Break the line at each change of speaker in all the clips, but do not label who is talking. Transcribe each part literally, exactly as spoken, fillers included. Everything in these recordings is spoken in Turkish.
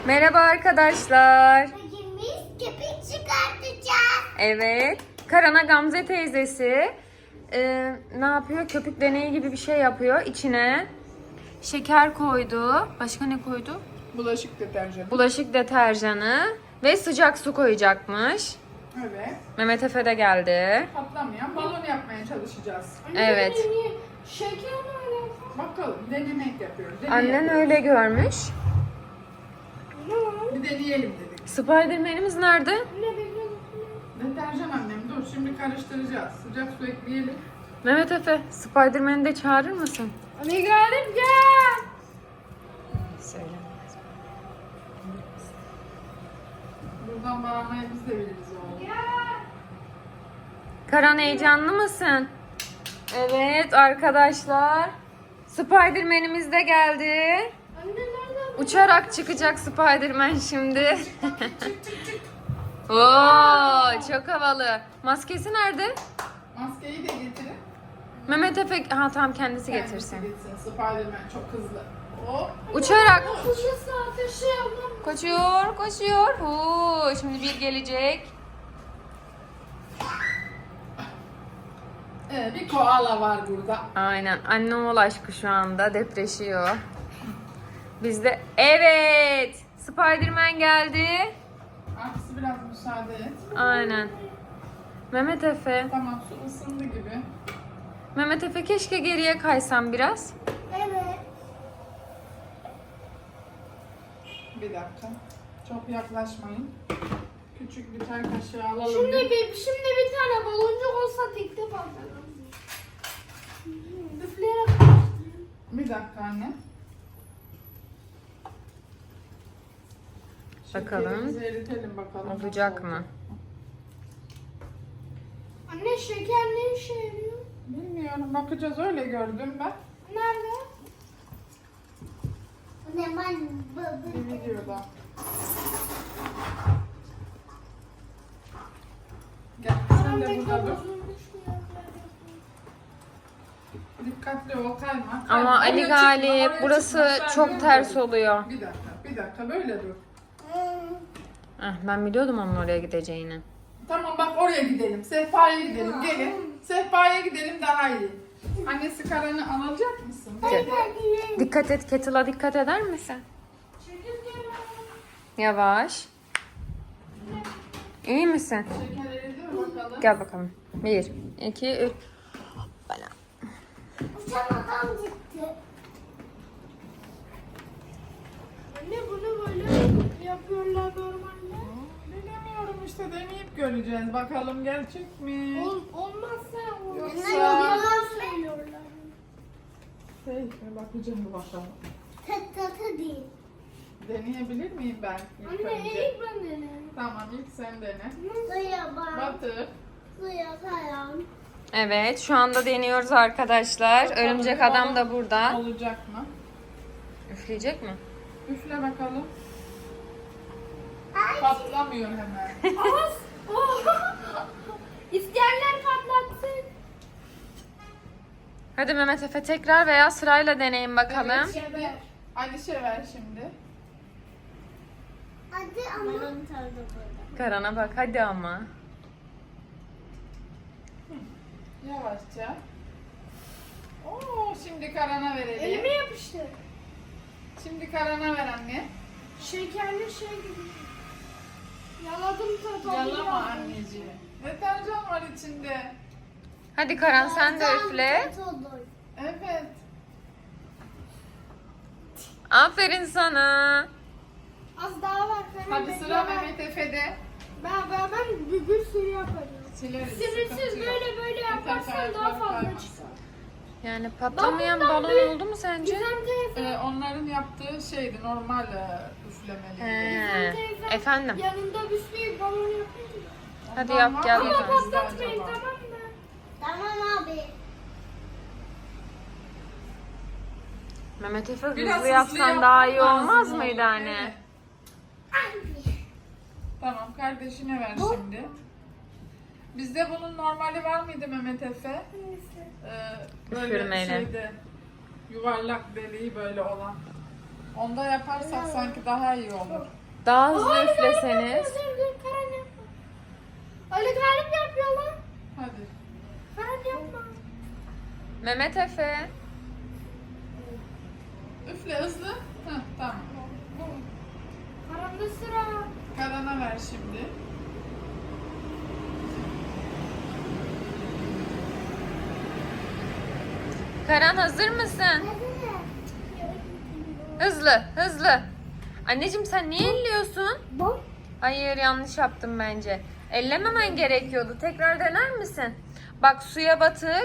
Merhaba arkadaşlar.
Bugün biz köpük çıkartacağız.
Evet. Karana Gamze teyzesi e, ne yapıyor? Köpük deneyi gibi bir şey yapıyor. İçine şeker koydu. Başka ne koydu?
Bulaşık deterjanı.
Bulaşık deterjanı ve sıcak su koyacakmış.
Evet.
Mehmet Efe de geldi.
Patlamayan balon yapmaya çalışacağız.
Evet.
Şeker mi?
Bakalım denemek yapıyoruz. Deneyelim.
Annen öyle görmüş.
Bir deneyelim dedik.
Spiderman'imiz nerede?
Deterjan annem dur şimdi karıştıracağız. Sıcak su ekleyelim.
Mehmet Efe, Spiderman'i de çağırır mısın?
Anne geldim gel.
Söyle.
Buradan bağırmaya biz de biliriz oğlum.
Karan heyecanlı mısın? Evet arkadaşlar. Spiderman'imiz de geldi.
Anne nerede?
Uçarak çıkacak Spiderman şimdi. Oo, çok havalı. Maskesi nerede?
Maskeyi de getirin.
Mehmet Efe, ha tamam kendisi
Kendisi
getirsin.
gitsin. Spiderman çok hızlı. Hop.
Uçarak.
Ateşi ateşi yapalım.
Koşuyor, koşuyor. Oo, şimdi bir gelecek.
Ee, bir koala var burada.
Aynen. Anne oğul aşkı şu anda depreşiyor. Biz de evet. Spiderman geldi.
Aksi biraz müsaade et.
Aynen. Mehmet Efe.
Tamam su ısındı gibi.
Mehmet Efe keşke geriye kaysan biraz.
Evet.
Bir dakika. Çok yaklaşmayın. Küçük bir çay kaşığı alalım.
Şimdi bir, şimdi bir tane baloncuk olsa tek tek patlarım. Üfleyerek karıştırayım.
Bir dakika anne.
Bakalım.
Şekerimizi eritelim bakalım.
Olacak
nasıl
mı?
olacak.
Anne şeker ne işe yarıyor?
Bilmiyorum bakacağız öyle gördüm ben.
Nerede? Ne ben
Bir videoda. Gel sen de burada dur. Dikkatli ol kayma. kayma.
Ama Ali
Oraya çıkma,
Galip
oraya
burası
çıkma, sen
çok
dur
ters
böyle.
oluyor.
Bir dakika bir dakika böyle dur.
Ah, ben biliyordum onun oraya gideceğini.
Tamam bak oraya gidelim. Sehpaya gidelim. Gelin. Sehpaya gidelim daha iyi. Annesi Karan'ı alacak mısın?
Gel. Dikkat et, kettle'a dikkat eder misin? Yavaş. İyi misin?
Şeker eridi mi bakalım?
Gel bakalım. Bir, iki, üç. Bana.
Uçan adam gitti. Anne bunu böyle yapıyorlar normalde.
Bilemiyorum işte deneyip göreceğiz. Bakalım gerçek mi?
Ol, olmazsa olmaz.
Yoksa-
Yalan söylüyorlar.
Peki bakacağım bir bakalım.
Tek katı değil.
Deneyebilir miyim ben ilk
Anne
önce?
ilk ben denerim.
Tamam ilk sen dene.
Suya bak.
Batır.
Suya kayan.
Evet, şu anda deniyoruz arkadaşlar.
Bakalım
Örümcek
bir
adam
balon
da burada.
Olacak mı?
Üfleyecek mi?
Üfle bakalım.
Ay.
Patlamıyor hemen.
Az. İsteyenler patlatsın.
Hadi Mehmet Efe tekrar veya sırayla deneyin bakalım.
Evet, şimdi Alişe ver şimdi.
Hadi ama. Benim tarzı burada.
Karan'a bak hadi ama.
Yavaşça. Oo, şimdi Karan'a verelim.
Elime yapıştı.
Şimdi Karan'a ver anne.
Şekerli şey gibi. Yaladım tadı.
Yalama anneciğim. Deterjan var içinde.
Hadi Karan sen de üfle.
Evet.
Aferin sana.
Az daha var. Fena
Hadi
bekle
sıra
ben.
Mehmet Efe'de.
Ben, ben, ben bir, bir sürü yaparım.
Sileriz.
Sınırsız
sıkıntı yok.
böyle böyle
Yeter ki
yaparsan daha
ayakları
fazla
kaymasın.
çıkar.
Yani patlamayan
Ben bundan
balon
büyük-
oldu mu sence?
Gizem teyze.
Ee, onların yaptığı şeydi normal e, üflemeli.
He.
teyze
Efendim.
Yanında bir sürü balon yapıyor.
Hadi
Ondan
yap,
var
gel
mı
bakalım.
bizde
Patlatmayın
acaba?
tamam mı? Tamam abi.
Mehmet Efe
Biraz
hızlı yapsan
yapman
daha iyi
lazım
olmaz
oğlum,
mıydı hani?
evet. Tamam kardeşine ver şimdi. Bizde bunun normali var mıydı Mehmet Efe? Ee, böyle
Üfürmeyle.
şeyde yuvarlak deliği böyle olan. Onda yaparsak sanki daha iyi olur.
Daha hızlı üfleseniz.
Dur dur Karan yapma. Ali Galip yapıyor lan.
Hadi.
Karan yapma.
Mehmet Efe.
Üfle hızlı. Heh, tamam.
Karan'da sıra.
Karan'a ver şimdi.
Karan hazır mısın? Hızlı, hızlı. Anneciğim sen niye elliyorsun?
Bak.
Hayır, yanlış yaptım bence. Ellememen gerekiyordu. Tekrar dener misin? Bak, suya batır.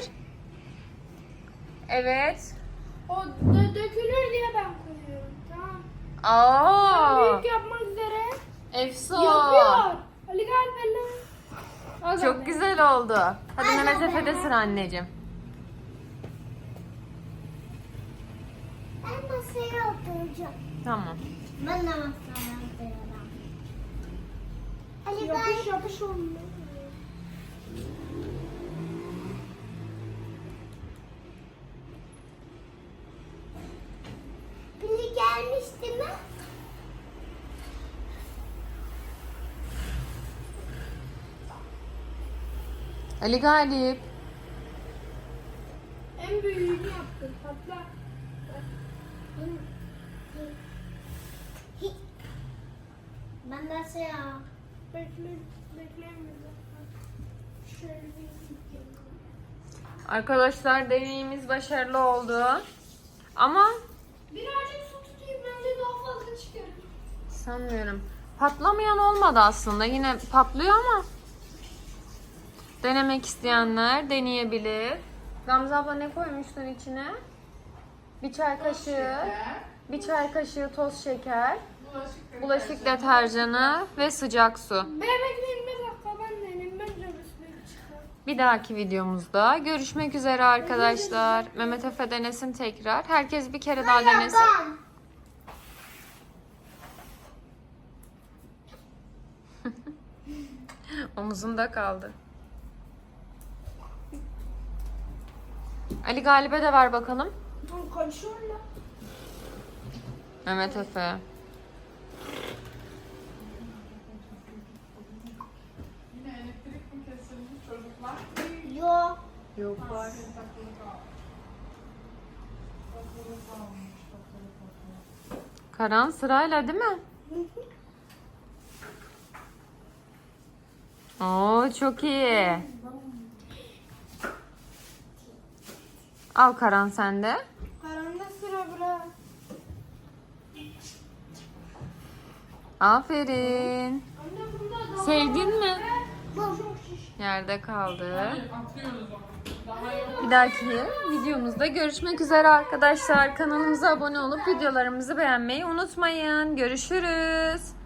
Evet.
O dö- dökülür diye ben koyuyorum. Tamam.
Aa!
Büyük yapmak üzere.
Efso.
Yapıyor. Ali Galip elle. Al
Çok
anne.
güzel oldu. Hadi Mehmet Efe'de sıra anneciğim.
Ben masaya oturacağım.
Tamam.
Ben de masaya oturacağım. Ali Galip. Yapış yapış olmuyor. Pili gelmişti mi?
Ali Galip.
En büyüğünü yaptım. Patla. Ben de şey ya. Bekle, beklemiyorum. Şöyle bir
Arkadaşlar deneyimiz başarılı oldu. Ama
birazcık su tutayım bence daha fazla çıkarım.
sanmıyorum. Patlamayan olmadı aslında. Yine patlıyor ama denemek isteyenler deneyebilir. Gamze abla ne koymuştun içine? Bir çay kaşığı,
Şeker,
bir çay kaşığı toz şeker,
bulaşık,
bulaşık deterjanı ve sıcak su.
Ben bekleyeyim bir dakika ben deneyim. Bence bir çıkar.
Bir dahaki videomuzda görüşmek üzere arkadaşlar. Mehmet Efe denesin tekrar. Herkes bir kere daha denesin. Omuzunda kaldı. Ali Galip'e de ver bakalım.
Dur kaçıyorlar.
Mehmet Efe.
Yine elektrik mi kesilmiş çocuklar?
Yok.
Yok.
Var. Takılı kalmış. Takılı kalmış. Takılı takılı.
Karan sırayla değil mi? Oo, çok iyi. Al Karan sen de.
Karanlık sıra bırak.
Aferin.
Anne bunda daha
Sevdin mi?
çok şiş.
Yerde kaldı.
Atıyoruz onu. Daha yok.
Bir dahaki videomuzda görüşmek üzere arkadaşlar. Kanalımıza abone olup videolarımızı beğenmeyi unutmayın. Görüşürüz.